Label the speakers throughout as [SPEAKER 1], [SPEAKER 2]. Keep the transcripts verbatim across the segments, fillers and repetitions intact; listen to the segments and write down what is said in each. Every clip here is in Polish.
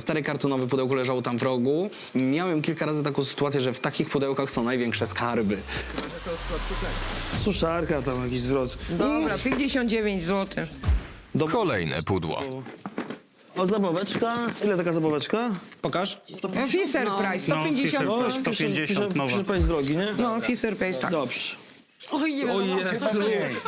[SPEAKER 1] stare kartonowe pudełko leżało tam w rogu. Miałem kilka razy taką sytuację, że w takich pudełkach są największe skarby.
[SPEAKER 2] Suszarka tam, jakiś zwrot.
[SPEAKER 3] Dobra, pięćdziesiąt dziewięć złotych.
[SPEAKER 2] Do...
[SPEAKER 4] Kolejne pudło.
[SPEAKER 2] O, zabaweczka. Ile taka zabaweczka?
[SPEAKER 1] Pokaż.
[SPEAKER 3] Fisher Price, sto pięćdziesiąt.
[SPEAKER 2] O,
[SPEAKER 5] sto pięćdziesiąt nowa.
[SPEAKER 2] Fisher Price drogi, nie?
[SPEAKER 3] No, Fisher Price, tak.
[SPEAKER 2] Dobrze.
[SPEAKER 6] Oj, nie
[SPEAKER 2] O
[SPEAKER 6] wiadomo.
[SPEAKER 2] Jezu.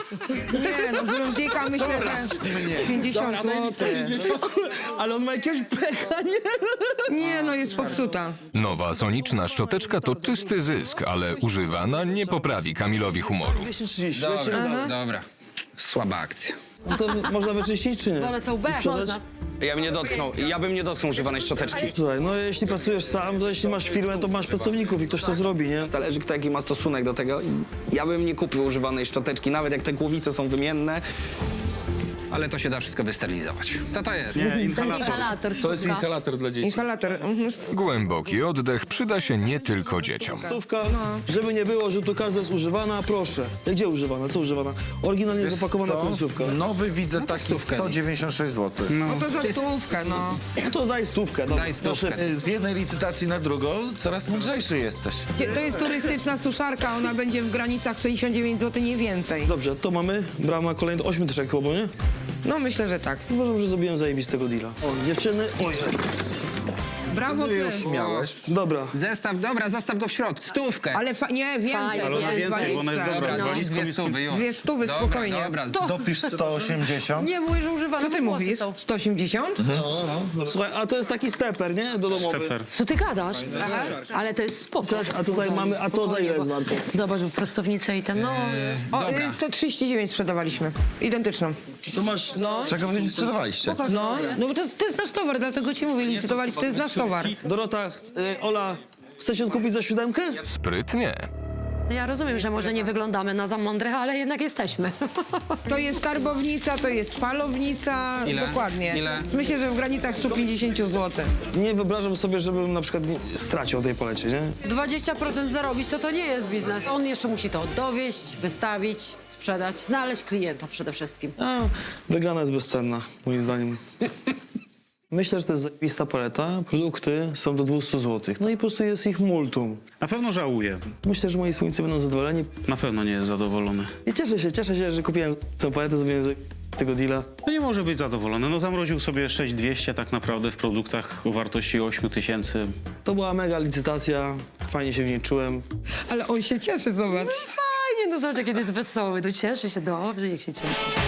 [SPEAKER 3] Nie, no, Grundika myślę, że pięćdziesiąt złotych.
[SPEAKER 2] Ale on ma jakiegoś pecha, nie?
[SPEAKER 3] Nie, no, jest popsuta.
[SPEAKER 4] Nowa soniczna szczoteczka to czysty zysk, ale używana nie poprawi Kamilowi humoru.
[SPEAKER 2] dwieście trzydzieści, lecimy dalej.
[SPEAKER 1] Dobra. Słaba akcja.
[SPEAKER 2] No to można wyczyścić, czy nie?
[SPEAKER 6] One są B.
[SPEAKER 2] I sprzedać?
[SPEAKER 6] Można.
[SPEAKER 1] Ja bym nie dotknął, ja bym nie dotknął używanej szczoteczki.
[SPEAKER 2] Słuchaj, no jeśli pracujesz sam, to jeśli masz firmę, to masz pracowników i ktoś to zrobi, nie?
[SPEAKER 1] Zależy, kto jaki ma stosunek do tego. Ja bym nie kupił używanej szczoteczki, nawet jak te głowice są wymienne. Ale to się da wszystko wysterylizować. Co to jest?
[SPEAKER 5] Nie,
[SPEAKER 6] To jest
[SPEAKER 5] inhalator.
[SPEAKER 6] inhalator,
[SPEAKER 7] To jest
[SPEAKER 6] sztuka.
[SPEAKER 7] inhalator dla dzieci.
[SPEAKER 3] Inhalator. Mhm.
[SPEAKER 4] Głęboki oddech przyda się nie tylko dzieciom.
[SPEAKER 2] Stówka, żeby nie było, że tu każda jest używana, proszę. Gdzie używana? Co używana? Oryginalnie zapakowana
[SPEAKER 7] Co?
[SPEAKER 2] końcówka.
[SPEAKER 7] Nowy widzę taki sto dziewięćdziesiąt sześć złotych.
[SPEAKER 3] No to za stówkę, no.
[SPEAKER 2] No to daj stówkę. Dobra,
[SPEAKER 1] Daj stówkę.
[SPEAKER 2] proszę.
[SPEAKER 7] Z jednej licytacji na drugą coraz mądrzejszy jesteś.
[SPEAKER 3] To jest turystyczna suszarka, ona będzie w granicach sześćdziesiąt dziewięć złotych, nie więcej.
[SPEAKER 2] Dobrze, to mamy brama kolejny, ośmiu tyszek chyba, nie?
[SPEAKER 3] No, myślę, że tak.
[SPEAKER 2] Uważam, że zrobiłem zajebistego deala. O, dziewczyny, oj.
[SPEAKER 3] Brawo
[SPEAKER 7] Ty
[SPEAKER 3] ty.
[SPEAKER 7] już miałeś.
[SPEAKER 2] Dobra.
[SPEAKER 1] Zestaw, dobra, zostaw go w środku, stówkę.
[SPEAKER 3] Ale fa- nie, więcej.
[SPEAKER 6] Fajnie,
[SPEAKER 5] Ale ona
[SPEAKER 6] Jest
[SPEAKER 5] więcej, bo ona jest
[SPEAKER 3] dwadzieścia.
[SPEAKER 5] dobra. Z
[SPEAKER 6] No.
[SPEAKER 5] walizką
[SPEAKER 1] Dwie
[SPEAKER 5] jest...
[SPEAKER 1] stówy już.
[SPEAKER 3] Dwie stówy,
[SPEAKER 1] Dobra,
[SPEAKER 3] spokojnie.
[SPEAKER 1] Dobra,
[SPEAKER 7] Dopisz sto osiemdziesiąt.
[SPEAKER 6] Nie, mówię, że używane
[SPEAKER 3] Co ty
[SPEAKER 6] włosy
[SPEAKER 3] mówisz?
[SPEAKER 6] są.
[SPEAKER 3] sto osiemdziesiąt?
[SPEAKER 2] Słuchaj, a to jest taki steper, nie? Do domowy.
[SPEAKER 5] Steper.
[SPEAKER 6] Co ty gadasz? Ale to jest spoko.
[SPEAKER 2] Cześć, a tutaj mamy, a to za ile jest warto?
[SPEAKER 6] Zobacz, prostownicę i ten, no...
[SPEAKER 3] O, y, sto trzydzieści dziewięć sprzedawaliśmy. Identyczną.
[SPEAKER 2] Tu masz...
[SPEAKER 3] No,
[SPEAKER 7] Czego wy nie sprzedawaliście?
[SPEAKER 3] no, no bo to, jest- to jest nasz towar, dlatego ci mówię, licytowaliśmy, to jest nasz towar.
[SPEAKER 2] Dorota, y, Ola, chcecie odkupić za siódemkę?
[SPEAKER 4] Sprytnie.
[SPEAKER 6] No ja rozumiem, że może nie wyglądamy na za mądrych, ale jednak jesteśmy.
[SPEAKER 3] To jest karbownica, to jest falownica,
[SPEAKER 1] Ile?
[SPEAKER 3] dokładnie.
[SPEAKER 1] Ile?
[SPEAKER 3] Myślę, że w granicach sto pięćdziesiąt złotych.
[SPEAKER 2] Nie wyobrażam sobie, żebym na przykład nie, stracił o tej polecie, nie?
[SPEAKER 6] dwadzieścia procent zarobić, to to nie jest biznes. On jeszcze musi to dowieść, wystawić, sprzedać, znaleźć klienta przede wszystkim.
[SPEAKER 2] A, wygrana jest bezcenna, moim zdaniem. Myślę, że to jest zajebista paleta. Produkty są do dwieście złotych. No i po prostu jest ich multum.
[SPEAKER 5] Na pewno żałuję.
[SPEAKER 2] Myślę, że moi słońce będą zadowoleni.
[SPEAKER 5] Na pewno nie jest zadowolony.
[SPEAKER 2] I cieszę się, cieszę się, że kupiłem tę paletę, zrobiłem z tego deala.
[SPEAKER 5] No nie może być zadowolony. No zamroził sobie sześć tysięcy dwieście tak naprawdę w produktach o wartości osiem tysięcy.
[SPEAKER 2] To była mega licytacja, fajnie się w niej czułem.
[SPEAKER 3] Ale on się cieszy, zobacz.
[SPEAKER 6] Fajnie, no zobacz, kiedy jest wesoły, to cieszy się dobrze, jak się cieszy.